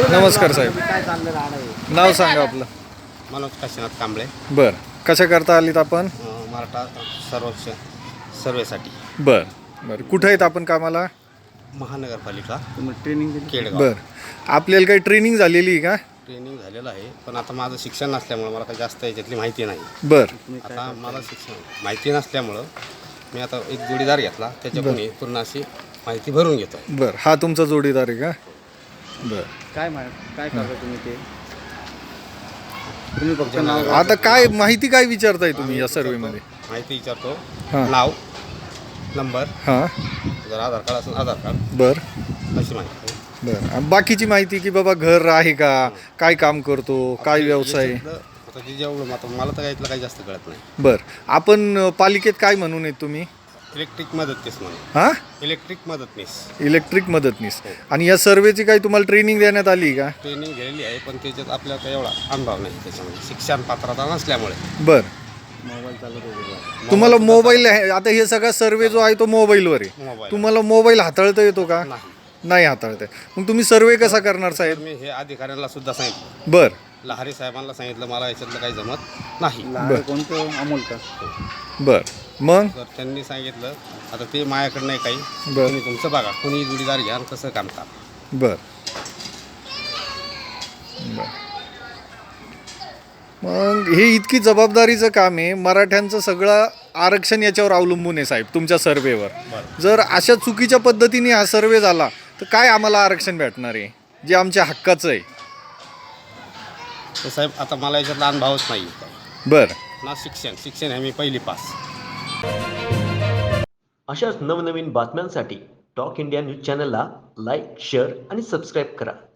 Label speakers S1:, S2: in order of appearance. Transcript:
S1: नमस्कार साहेब,
S2: काय चाललं राहणार
S1: नाव सांगा आपलं.
S3: मनोज काशीनाथ कांबळे.
S1: बर, कशा करता आलीत आपण?
S3: मराठा सर्वेक्षण सर्वेसाठी.
S1: बर बर, कुठं आहेत आपण कामाला?
S3: महानगरपालिका
S2: तुम्ही ट्रेनिंग दिली?
S3: केडगाव.
S1: बर, आपल्याला काही ट्रेनिंग झालेली आहे का?
S3: ट्रेनिंग झालेलं आहे, पण आता माझं शिक्षण नसल्यामुळं मला काही जास्त याच्यातली माहिती नाही.
S1: बर
S3: आता मला शिक्षण माहिती नसल्यामुळं मी आता एक जोडीदार घेतला, त्याच्याकडून पूर्ण अशी माहिती भरून घेतो.
S1: बर, हा तुमचा जोडीदार आहे का? बर,
S2: काय करता तुम्ही ते? तुम्ही फक्त नाव
S1: आता काय माहिती काय विचारताय तुम्ही या सर्वेमध्ये?
S3: माहिती विचारतो,
S1: हां.
S3: नाव, नंबर,
S1: हां.
S3: जर आधार कार्ड असेल आधार कार्ड,
S1: बर
S3: अशी माहिती.
S1: बर, आणि बाकीची माहिती की बाबा घर आहे का, काय काम करतो, काय व्यवसाय?
S3: आता जे जेवढं आता मला तर यातलं काही जास्त कळत नाही.
S1: बर, आपण पालिकेत काय म्हणून आहेत तुम्ही?
S3: इलेक्ट्रिक मदतनीस म्हणून.
S1: हां,
S3: इलेक्ट्रिक मदतनीस
S1: इलेक्ट्रिक मदतनीस. आणि या सर्वेची काही तुम्हाला ट्रेनिंग देण्यात आली का?
S3: ट्रेनिंग घेतलेली आहे, पण त्याच्यात आपल्याला काही एवढा अनुभव नाही त्याच्यामध्ये, शिक्षण पात्रता नसल्यामुळे.
S1: बर,
S2: मोबाईल चालत होते.
S1: तुम्हाला मोबाईल आता हे सगळा सर्वे जो आहे तो मोबाईलवर आहे.
S3: मोबाईल
S1: तुम्हाला मोबाईल हाताळता येतो का?
S3: नाही.
S1: नाही हाताळता येत. मग तुम्ही सर्वे कसा करणार
S3: तर
S1: साहेब?
S3: मी हे अधिकाऱ्यांना सुद्धा सांगितलं,
S1: बर
S3: लहारी साहेबांना सांगितलं, मला याच्यातलं काही जमत नाही.
S2: लहान कोणतं अमोल का?
S1: बर, मग
S3: तर त्यांनी सांगितलं आता ते माझ्याकडं नाही काही,
S1: बर
S3: तुम्ही तुमचं बघा, कोणी जोडीदार घ्या आणि कसं काम करा.
S1: बर बर. मग हे इतकी जबाबदारीचं काम आहे, मराठ्यांचं सगळं आरक्षण याच्यावर अवलंबून आहे साहेब, तुमच्या सर्वेवर.
S3: बरं.
S1: जर अशा चुकीच्या पद्धतीने हा सर्वे झाला तर काय आम्हाला आरक्षण भेटणार आहे जे आमच्या हक्काचं आहे?
S3: तर साहेब आता मला याच्यातला अनुभवच नाही
S1: बर,
S3: ना. शिक्षण हे मी पहिली पास.
S4: अशाच नवनवीन बातम्यांसाठी टॉक इंडिया न्यूज चॅनलला लाईक, शेअर आणि सबस्क्राईब करा.